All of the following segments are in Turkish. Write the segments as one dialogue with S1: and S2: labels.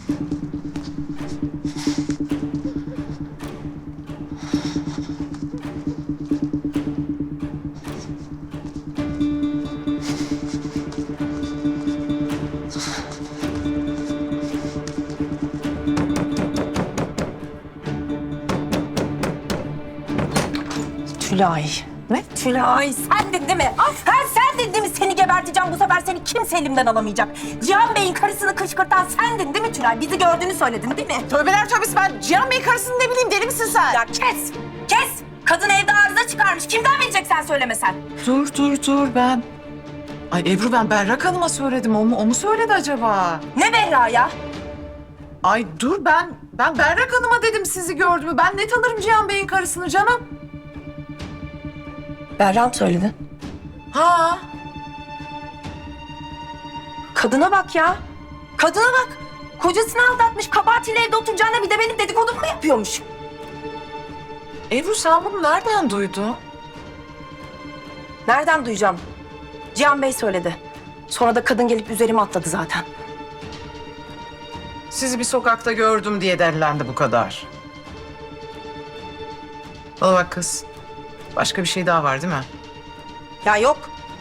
S1: Tülay. Ne? Tülay sendin değil mi? Sendin değil mi? Seni geberteceğim bu sefer, seni kimse elimden alamayacak. Cihan Bey'in karısını kışkırtan sendin değil mi Tülay? Bizi gördüğünü söyledin değil mi?
S2: Tövbeler tövbesi, ben Cihan Bey karısını ne bileyim, deli misin sen?
S1: Ya kes! Kes! Kadın evde arıza çıkarmış. Kimden bilecek sen söylemesen?
S2: Dur ben. Ay Ebru, ben Berrak Hanım'a söyledim. O mu söyledi acaba?
S1: Ne Berra ya?
S2: Ay dur, ben Berrak Hanım'a dedim sizi gördüğümü. Ben ne tanırım Cihan Bey'in karısını canım?
S1: Berra mı söyledi?
S2: Ha.
S1: Kadına bak ya. Kadına bak. Kocasını aldatmış, kabahatiyle evde oturacağına bir de benim dedikodumu mu yapıyormuş?
S2: Ebru, sen bunu nereden duydun?
S1: Nereden duyacağım? Cihan Bey söyledi. Sonra da kadın gelip üzerime atladı zaten.
S2: Sizi bir sokakta gördüm diye derlendi bu kadar. Bana bak kız. Başka bir şey daha var değil mi?
S1: Ya yok.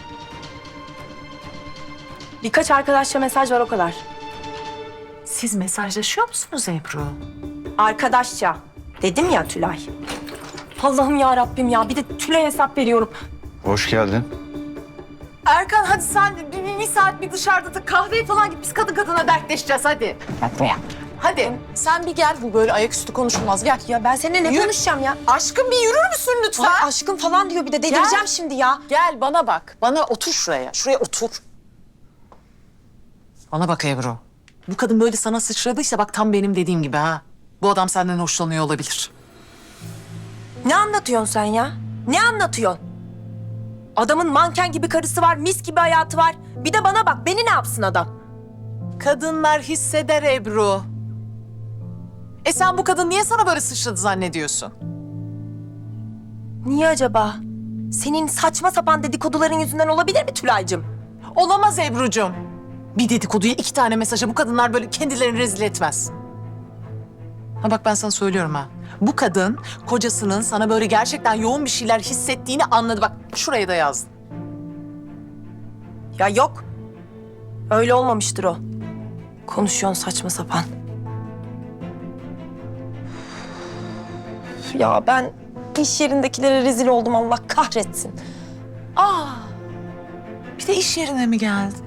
S1: Birkaç arkadaşça mesaj var, o kadar.
S2: Siz mesajlaşıyor musunuz Ebru?
S1: Arkadaşça. Dedim ya Tülay. Allah'ım ya Rabbim ya. Bir de Tülay'a hesap veriyorum.
S3: Hoş geldin.
S2: Erkan, hadi sen bir saat bir dışarıda da kahveye falan git. Biz kadın kadına dertleşeceğiz, hadi.
S1: Yapma.
S2: Hadi sen bir gel, bu böyle ayaküstü konuşulmaz, gel.
S1: Ya ben seninle ne
S2: Yürü.
S1: konuşacağım ya?
S2: Aşkım, bir yürür müsün lütfen?
S1: Ay aşkım falan diyor, bir de delireceğim şimdi ya.
S2: Gel bana bak. Bana otur şuraya. Şuraya otur. Bana bak Ebru. Bu kadın böyle sana sıçradıysa bak tam benim dediğim gibi ha. Bu adam senden hoşlanıyor olabilir.
S1: Ne anlatıyorsun sen ya? Ne anlatıyorsun? Adamın manken gibi karısı var, mis gibi hayatı var. Bir de bana bak, beni ne yapsın adam?
S2: Kadınlar hisseder Ebru. Sen bu kadın niye sana böyle sıçradı zannediyorsun?
S1: Niye acaba? Senin saçma sapan dedikoduların yüzünden olabilir mi Tülay'cığım?
S2: Olamaz Ebru'cum. Bir dedikoduya 2 tane mesaja bu kadınlar böyle kendilerini rezil etmez. Ha bak, ben sana söylüyorum ha. Bu kadın kocasının sana böyle gerçekten yoğun bir şeyler hissettiğini anladı. Bak şuraya da yazdım.
S1: Ya yok. Öyle olmamıştır o. Konuşuyorsun saçma sapan. Ya ben iş yerindekilere rezil oldum, Allah kahretsin.
S2: Bir de iş yerine mi geldi?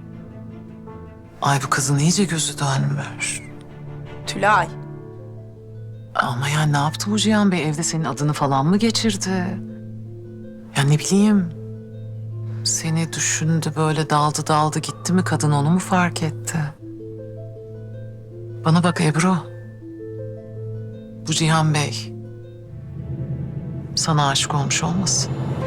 S2: Ay bu kızın iyice gözü dönmüş.
S1: Tülay.
S2: Ama ya ne yaptı bu Cihan Bey? Evde senin adını falan mı geçirdi? Ya ne bileyim. Seni düşündü, böyle daldı gitti mi kadın, onu mu fark etti? Bana bak Ebru. Bu Cihan Bey sana aşık olmuş olmasın?